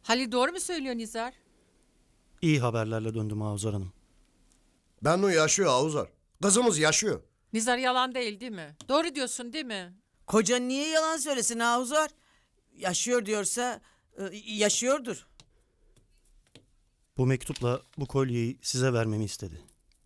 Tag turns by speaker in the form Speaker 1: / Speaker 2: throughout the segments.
Speaker 1: Halil doğru mu söylüyor Nizar?
Speaker 2: İyi haberlerle döndüm Avzar Hanım.
Speaker 3: Bennu yaşıyor Avuzar. Kızımız yaşıyor.
Speaker 1: Nizar yalan değil mi? Doğru diyorsun değil mi?
Speaker 4: Kocan niye yalan söylesin Ahuzar? Yaşıyor diyorsa yaşıyordur.
Speaker 2: Bu mektupla bu kolyeyi size vermemi istedi.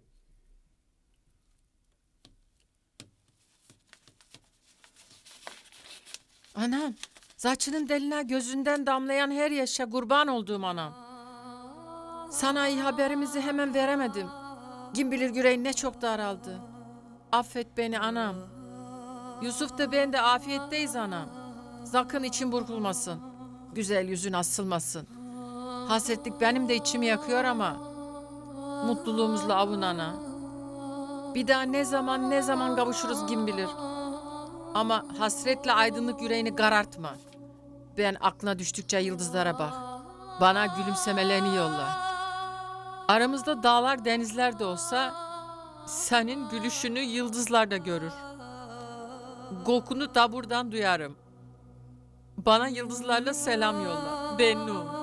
Speaker 1: Anam, saçının deline gözünden damlayan her yaşa kurban olduğum anam. Sana iyi haberimizi hemen veremedim. Kim bilir yüreğin ne çok daraldı. Affet beni anam. Yusuf da ben de afiyetteyiz anam. Sakın için burkulmasın. Güzel yüzün asılmasın. Hasretlik benim de içimi yakıyor ama mutluluğumuzla avun ana. Bir daha ne zaman kavuşuruz kim bilir. Ama hasretle aydınlık yüreğini karartma. Ben aklına düştükçe yıldızlara bak. Bana gülümsemelerini yolla. Aramızda dağlar denizler de olsa senin gülüşünü yıldızlar da görür. Kokunu da buradan duyarım. Bana yıldızlarla selam yolla. Bennu.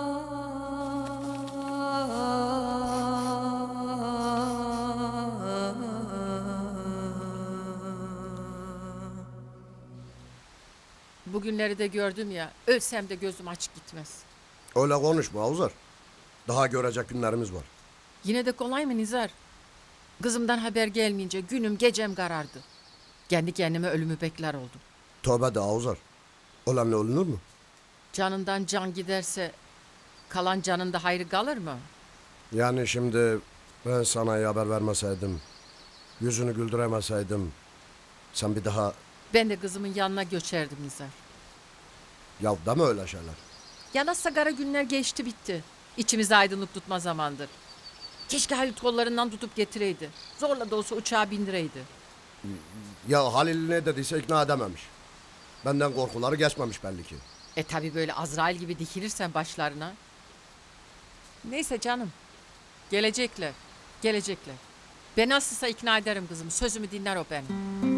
Speaker 1: Bugünleri de gördüm ya, ölsem de gözüm açık gitmez.
Speaker 3: Öyle konuşma Avuzar. Daha görecek günlerimiz var.
Speaker 1: Yine de kolay mı Nizar? Kızımdan haber gelmeyince günüm gecem karardı. Kendi kendime ölümü bekler oldum.
Speaker 3: Tövbe de Avuzar. Ölenle ölünür mü?
Speaker 1: Canından can giderse kalan canında hayrı kalır mı?
Speaker 3: Yani şimdi ben sana iyi haber vermeseydim, yüzünü güldüremeseydim, sen bir daha
Speaker 1: Ben de kızımın yanına göçerdim Nizar.
Speaker 3: ya deme öyle şeyler.
Speaker 1: Yana sigara günler geçti bitti. İçimize aydınlık tutma zamandır. Keşke Halit kollarından tutup getireydi. Zorla da olsa uçağa bindireydi.
Speaker 3: Ya Halil ne dediyse ikna edememiş. Benden korkuları geçmemiş belli ki.
Speaker 1: Tabi böyle Azrail gibi dikilirsen başlarına. Neyse canım. Gelecekler. Ben nasılsa ikna ederim kızımı. Sözümü dinler o benim.